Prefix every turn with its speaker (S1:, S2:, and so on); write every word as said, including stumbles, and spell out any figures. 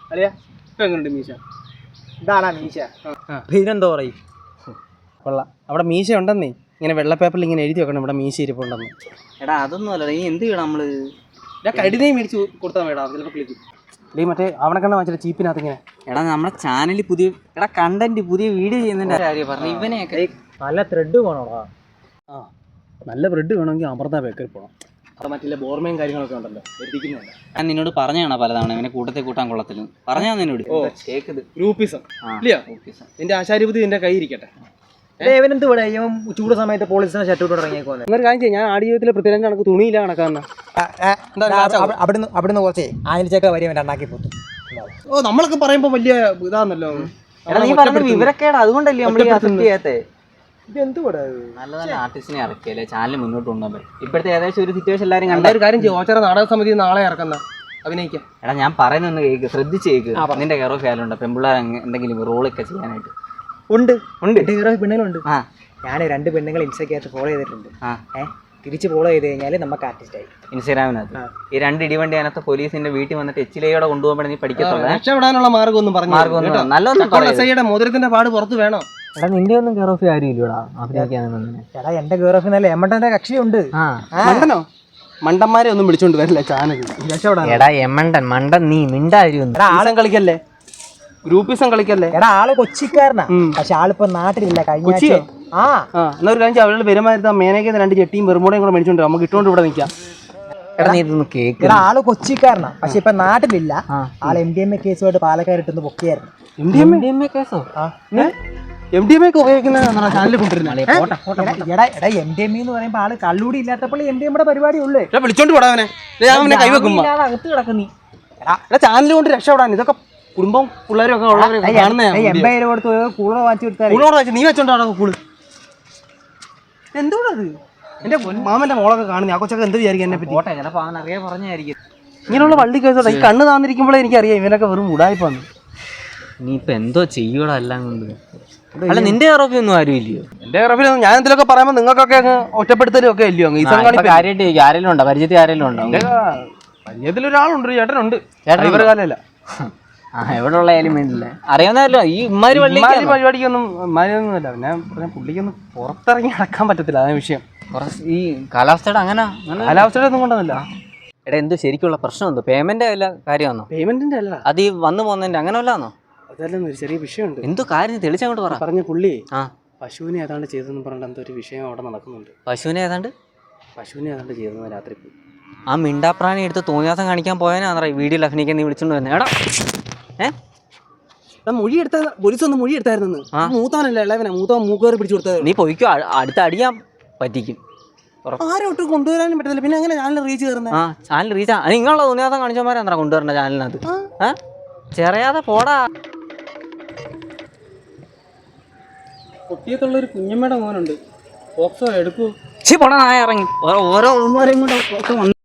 S1: അല്ലയാ ഇപ്പം എങ്ങനെയുണ്ട് മീശ?
S2: ഇതാണാ മീശ?
S1: പിന്നെന്തോ പറയും കൊള്ളാം. അവിടെ മീശ ഉണ്ടെന്നേ, ഇങ്ങനെ വെള്ള പേപ്പറിൽ ഇങ്ങനെ എഴുതി വെക്കണം ഇവിടെ മീശ ഇരിപ്പുണ്ടെന്ന്.
S2: എടാ അതൊന്നും അല്ല, നീ എന്ത് ചെയ്യണം നമ്മള്?
S1: ഞാൻ കടിനേയും മേടിച്ച് കൊടുത്താൽ വേടാ, ചിലപ്പോൾ ക്ലിക്കും. ഡേ മറ്റേ അവിടെ കണ്ട വാങ്ങിച്ചിട്ട് ചീപ്പിനകത്ത് ഇങ്ങനെ.
S2: എടാ നമ്മുടെ ചാനലിൽ പുതിയ എടാ കണ്ടന്റ് പുതിയ വീഡിയോ ചെയ്യുന്നതിന്റെ കാര്യം പറഞ്ഞു. ഇവനെയൊക്കെ
S1: നല്ല ത്രെഡ് വേണോടാ. ആ നല്ല ബ്രെഡ് വേണമെങ്കിൽ അമൃത ബേക്കറി പോകണം. അവിടെ മറ്റുള്ള ബോർമയും കാര്യങ്ങളൊക്കെ ഉണ്ടല്ലോ, എത്തിക്കുന്നുണ്ട്.
S2: ഞാൻ നിന്നോട് പറഞ്ഞാണോ പലതവണ ഇവനെ കൂട്ടത്തിൽ കൂട്ടാൻ കൊള്ളത്തില്ല? പറഞ്ഞാ നിന്നോട്.
S1: ഓ കേക്കത് ഗ്രൂപ്പിസം ഇല്ലയോ? നിന്റെ ആശാരിപതി നിന്റെ കൈ ഇരിക്കട്ടെ.
S2: ഇവനെന്ത് ഇവിടെ ചൂട് സമയത്ത് പോലീസിനെ ഷർട്ട് ഇട്ട് ഇറങ്ങിയേക്കോന്ന്.
S1: എന്നൊരു കാര്യം ചെയ്യാം, ഞാൻ ആട് ജീവിതത്തിൽ പൃഥ്വിരാജ് കണക്ക് തുണിയില്ല കണക്കാന്ന്.
S2: അവിടുന്ന് അവിടുന്ന് കുറച്ചേ ആയിരച്ചൊക്കെ വരി ഉണ്ടാക്കി പോത്തു.
S1: ഓ നമ്മളൊക്കെ പറയുമ്പോ വലിയ ഇതാന്നല്ലോ.
S2: നീ പറഞ്ഞ വിവരക്കേടാ, അതുകൊണ്ടല്ലേ നമ്മൾ അക്സെപ്റ്റ് ചെയ്യാത്തേ.
S1: ഇതെന്തുകൂടെ
S2: നല്ല നല്ല ആർട്ടിസ്റ്റിനെ ഇറക്കിയല്ലേ ചാനൽ മുന്നോട്ട് കൊണ്ടുപോകാൻ. ഇപ്പോഴത്തെ ഏകദേശം ഒരു സിറ്റുവേഷൻ എല്ലാവരും കണ്ട.
S1: ഒരു കാര്യം ചെയ്യും, ഓച്ചറ നാടക സമിതി നാളെ ഇറക്കുന്ന അഭിനയിക്കാം.
S2: എടാ ഞാൻ പറയുന്നൊന്ന് കേക്ക്, ശ്രദ്ധിച്ച് കേക്ക്. നിന്റെ കെയർ ഓഫ് ഫാലുണ്ട് പെൺപിള്ളേർ എന്തെങ്കിലും റോളൊക്കെ ചെയ്യാനായിട്ട്?
S1: ഉണ്ട് ഉണ്ട്
S2: പെണ്ണുങ്ങളുണ്ട്. ആ ഞാൻ രണ്ട് പെണ്ണുങ്ങൾ ഇൻസ്റ്റയ്ക്കകത്ത് ഫോളോ ചെയ്തിട്ടുണ്ട്. ആ ഏഹ് തിരിച്ച് ഫോളോ ചെയ്ത് കഴിഞ്ഞാൽ നമുക്ക് ആർട്ടിസ്റ്റായി. ഇൻസ്റ്റാഗ്രാമിനകത്ത് ഈ രണ്ട് ഇടിവണ്ടി അതിനകത്ത് പോലീസിന്റെ വീട്ടിൽ വന്നിട്ട് എച്ചിലയോടെ കൊണ്ടുപോകുമ്പോൾ നീ പഠിക്കത്തുള്ളൂ.
S1: രക്ഷപ്പെടാനുള്ള മാർഗ്ഗം ഒന്നും പറഞ്ഞു.
S2: മാർഗ്ഗം നല്ലൊന്നും
S1: മോതിരത്തിന്റെ പാട് പുറത്ത് വേണോ?
S2: എടാ നിന്റെ ഒന്നും കെയർ ഓഫ് ആരും ഇല്ലടാ അഭിനയിക്കാനൊന്നും.
S3: എടാ എന്റെ കെയർ ഓഫ് നല്ല എമ്മണ്ടന്റെ കക്ഷിയുണ്ട്.
S1: മണ്ടനോ? മണ്ടന്മാരെ ഒന്നും വിളിച്ചോണ്ട് വരില്ല ചാനൽ.
S2: എടാ എമ്മണ്ടൻ മണ്ടൻ നീ മിണ്ടായിരുന്നു.
S1: ആളും കളിക്കല്ലേ, ഗ്രൂപ്പിസം കളിക്കല്ലേ.
S3: എടാ ആള് കൊച്ചിക്കാരനാ, പക്ഷെ ആളിപ്പോ നാട്ടിലില്ല. കഴിഞ്ഞ ആ
S1: എന്നാ ഒരു കാര്യം അവരുടെ പെരുമാറുന്ന മേനേക്കുന്ന രണ്ട് ചെട്ടിയും വെറുമൂടയും കൂടെ മേടിച്ചോണ്ട് നമുക്ക് ഇട്ടുകൊണ്ട് ഇവിടെ നിൽക്കാം.
S2: എടാ നീ ഇതൊന്ന് കേക്ക്.
S3: എടാ ആള് കൊച്ചിക്കാരനാ, പക്ഷെ ഇപ്പൊ നാട്ടിലില്ല. ആള് എം ഡി എം എ കേസുമായിട്ട് പാലക്കാട് ഇട്ടൊന്ന് പൊക്കിയായിരുന്നു.
S1: എം ഡി എം എ കേസോ? എം ഡി എം എ ഉപയോഗിക്കുന്ന ചാനലിൽ കൊണ്ടുവരുന്നത്.
S3: എടാ എടാ എം ഡി എം എന്ന് പറയുമ്പോ ആള് കള്ളൂടി ഇല്ലാത്തപ്പോൾ എം ഡി എംയുടെ പരിപാടി ഉള്ളു.
S1: വിളിച്ചോണ്ട് പോടാവനെ കൈവെക്കുമ്പോ
S3: അകത്ത് കിടക്കുന്നീ.
S1: എടാ ചാനൽ കൊണ്ട് രക്ഷപ്പെടാൻ ഇതൊക്കെ കുടുംബം പിള്ളേരും ഒക്കെ ഉള്ളവരെ
S3: എൺപത് രൂപ കൊടുത്ത് കൂളർ വാങ്ങിച്ചു കൊടുത്താൽ
S1: കൂളോട് വെച്ച് നീ വെച്ചോണ്ടാണോ കൂള്? എന്തോടത്? എന്റെ മാമന്റെ മോളൊക്കെ കാണുന്ന ആ കൊച്ചൊക്കെ എന്ത് വിചാരിക്കും എന്നെ പറ്റി?
S2: ചിലപ്പോ അവൻ അറിയാൻ പറഞ്ഞായിരിക്കും
S1: ഇങ്ങനെയുള്ള വള്ളി കേസോട്ടെ. ഈ കണ്ണ് താന്നിരിക്കുമ്പോഴേ എനിക്കറിയാം ഇവനൊക്കെ വെറും ഉടായിപ്പാന്ന്.
S2: നീ ഇപ്പൊ എന്തോ ചെയ്യൂടാ എല്ലാം കൊണ്ട്. അല്ല നിന്റെ ആരോപി ഒന്നും ആരും ഇല്ലയോ?
S1: എന്റെ ആരോപിയൊന്നും ഞാൻ എന്തെങ്കിലുമൊക്കെ പറയുമ്പോൾ നിങ്ങൾക്കൊക്കെ അങ്ങ് ഒറ്റപ്പെടുത്തലും ഒക്കെ ഇല്ലയോ?
S2: കാര്യമായിട്ട് ആരെങ്കിലും ഉണ്ടോ? പരിചയത്തിൽ ആരെങ്കിലും ഉണ്ടോ?
S1: പരിചയത്തിലൊരാളുണ്ട്, ചേട്ടനുണ്ട്. ഇവരുടെ കാലമല്ല.
S2: ആ എവിടെ ഉള്ള ആയാലും വേണ്ടില്ല, അറിയാവുന്നല്ലോ. ഈ ഇമ്മാരി
S1: പരിപാടിക്കൊന്നും ഇമ്മാരിയൊന്നുമല്ല. പിന്നെ പറഞ്ഞ പുള്ളിക്കൊന്നും പുറത്തിറങ്ങി നടക്കാൻ പറ്റത്തില്ല, അതാണ് വിഷയം.
S2: ഈ കാലാവസ്ഥയുടെ അങ്ങനെ
S1: കാലാവസ്ഥയുടെ ഒന്നും കൊണ്ടൊന്നുമില്ല.
S2: എടാ എന്തോ ശരിക്കുള്ള പ്രശ്നം എന്തോ? പേയ്മെന്റ് വല്ല കാര്യമാണോ?
S1: പേയ്മെന്റിന്റെ അല്ല,
S2: അത് ഈ വന്നു പോകുന്നതിന്റെ അങ്ങനെ വല്ലാന്നോ?
S1: അതല്ലെന്ന് ഒരു ചെറിയ വിഷയമുണ്ട്.
S2: എന്തോ കാര്യം തെളിച്ചങ്ങോട്ട് പറ.
S1: പറഞ്ഞ പുള്ളി
S2: ആ
S1: പശുവിനെ ഏതാണ്ട് ചെയ്തെന്ന് പറഞ്ഞിട്ട് എന്തോ ഒരു വിഷയം അവിടെ നടക്കുന്നുണ്ട്.
S2: പശുവിനെ ഏതാണ്ട്
S1: പശുവിനെ ഏതാണ്ട് ചെയ്തെന്ന് രാത്രി പോയി.
S2: ആ മിണ്ടാപ്രാണി എടുത്ത് തോന്നിയാസം കാണിക്കാൻ പോയാനാ വീഡിയോയിൽ അഭിനയിക്കാൻ നീ വിളിച്ചോണ്ട് വരുന്നത്. എടാ ഏഹ്
S1: മൊഴി എടുത്ത പോലീസ് ഒന്ന് മൊഴി എടുത്തായിരുന്നു. മൂത്തവനല്ലേ ഇളവനെ, മൂത്തവൻ മൂക്കേറി പിടിച്ചു കൊടുത്തത്.
S2: നീ പോയിക്കോ, അടുത്ത് അടിയാൻ പറ്റിക്കും.
S1: ആരോട്ട് കൊണ്ടുവരാനും പറ്റത്തില്ല. പിന്നെ അങ്ങനെ ചാനൽ റീച്ച് കയറുന്നത്?
S2: ആ ചാനൽ റീച്ച് നിങ്ങളുള്ള തോന്നിയാസം കാണിച്ചോമാരാ കൊണ്ടുവരണ്ട ചാനലിനകത്ത്. ഏഹ് ചെറിയാതെ പോടാ.
S1: കൊട്ടിയത്തുള്ളൊരു കുഞ്ഞമ്മയുടെ മോനുണ്ട്, പോക്സോ എടുക്കൂ.
S2: പോടാ നായ ഇറങ്ങി ഓരോ